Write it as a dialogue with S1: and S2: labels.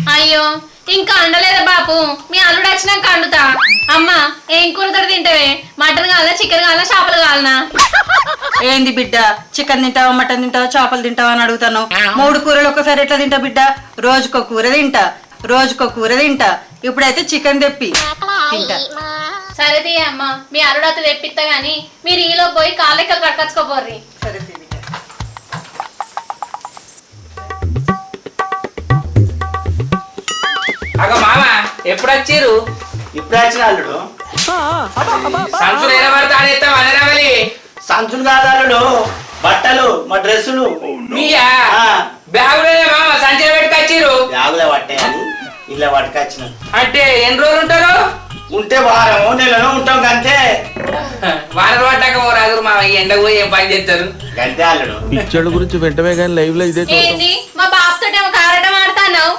S1: అయ్యో ఇంకా అండలేదా బాపు, మీ అల్లుడు వచ్చినాక అండుతా. అమ్మా ఏం కూరతో తింటావే? మటన్ కావాలా, చికెన్ కావాలా, చేపలు కావాలనా?
S2: ఏంది బిడ్డ, చికెన్ తింటావా, మటన్ తింటావా, చేపలు తింటావా అని అడుగుతాను. 3 కూరలు ఒకసారి ఎట్లా తింటా బిడ్డ? రోజుకో కూర తింటా. ఇప్పుడైతే చికెన్ తెప్పి తింటా.
S1: సరే తీయ అమ్మా, మీ అల్లుడు అత్త తెప్పిస్తా గాని మీరు ఈలో పోయి కాళ్ళెక్కలు కట్టుకొచ్చుకోపోర్రి.
S2: సరే తీ బిడ్డ.
S3: అగ మామ ఎప్పుడు వచ్చిర్రు?
S4: ఇప్పుడే వచ్చిన అల్లుడు.
S3: సంచులు ఎనబడతా అనేస్తాం అనరావలి.
S4: సంచులు కాదు అల్లుడు, బట్టలు, మా డ్రెస్సులు.
S3: మీయా
S4: ఆ,
S3: బ్యాగులే మామ సంచులు పెట్టుకొచ్చిర్రు.
S4: బ్యాగులే పట్టాయని ఇలా పట్టుకొచ్చిన.
S3: అంటే ఎన్ని రోజులు ఉంటారు?
S4: ఉంటే వారం నెలలో ఉంటాం అంతే.
S3: వారం పట్టాక ఓ రాదురు మామ, ఈ ఎండకు పోయి ఏం పని చేస్తారు?
S4: గంతే అల్లుడు.
S5: పిచ్చోళ్ళ గురించి వెంటనే కానీ లైవ్ లో ఇదే చూద్దాం.
S1: ఏంది మా బాబు తోటేమో కారటం ఆడుతున్నావు,